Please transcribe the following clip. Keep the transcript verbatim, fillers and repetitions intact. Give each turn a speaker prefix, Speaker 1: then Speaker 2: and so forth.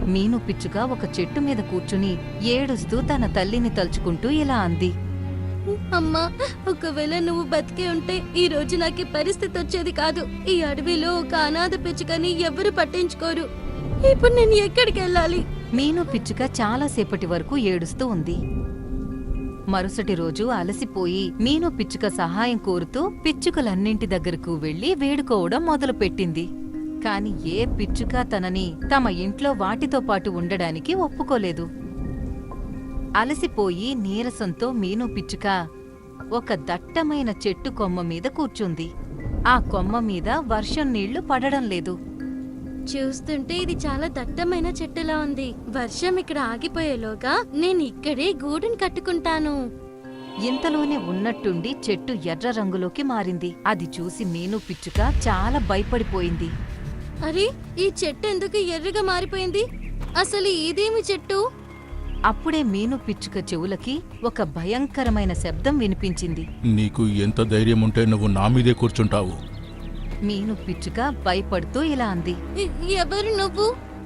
Speaker 1: మీను పిచ్చుక ఒక చెట్టు మీద కూర్చుని ఏడుస్తూ తన తల్లిని తలుచుకుంటూ ఇలా అంది.
Speaker 2: అమ్మా, ఒకవేళ నువ్వు బతికే ఉంటే ఈ రోజు నాకు ఈ పరిస్థితి వచ్చేది కాదు. ఈ అడవిలో ఒక అనాథ పిచ్చుకని ఎవరు పట్టించుకోరు. ఇప్పుడు నేను ఎక్కడికి వెళ్ళాలి?
Speaker 1: మీను పిచ్చుక చాలాసేపటి వరకు ఏడుస్తూ ఉంది. మరుసటి రోజు అలసిపోయి మీను పిచ్చుక సహాయం కోరుతూ పిచ్చుకలన్నింటి దగ్గరకు వెళ్లి వేడుకోవడం మొదలుపెట్టింది. కాని ఏ పిచ్చుక తనని తమ ఇంట్లో వాటితో పాటు ఉండడానికి ఒప్పుకోలేదు. అలసిపోయి నీరసంతో మీను పిచ్చుక ఒక దట్టమైన చెట్టు కొమ్మ మీద కూర్చుంది. ఆ కొమ్మ మీద వర్షం నీళ్లు పడడం లేదు.
Speaker 2: చూస్తుంటే ఇది చాలా దట్టమైన చెట్టులా ఉంది. వర్షం ఇక్కడ ఆగిపోయేలోగా నేను ఇక్కడే గూడుని కట్టుకుంటాను.
Speaker 1: ఇంతలోనే ఉన్నట్టుండి చెట్టు ఎర్ర రంగులోకి మారింది. అది చూసి మీను పిచ్చుక చాలా భయపడిపోయింది.
Speaker 2: అరే, ఈ చెట్టు ఎందుకు ఎర్రగా మారిపోయింది? అసలు ఇదేమి చెట్టు?
Speaker 1: అప్పుడే మీను పిచ్చుక చెవులకి ఒక భయంకరమైన శబ్దం వినిపించింది.
Speaker 3: నీకు ఎంత ధైర్యం ఉంటే నువ్వు నా మీదే కూర్చుంటావు?
Speaker 1: మీను పిచ్చుక భయపడుతూ ఇలా అంది.
Speaker 2: ఎ- ఎవరు నువ్వు?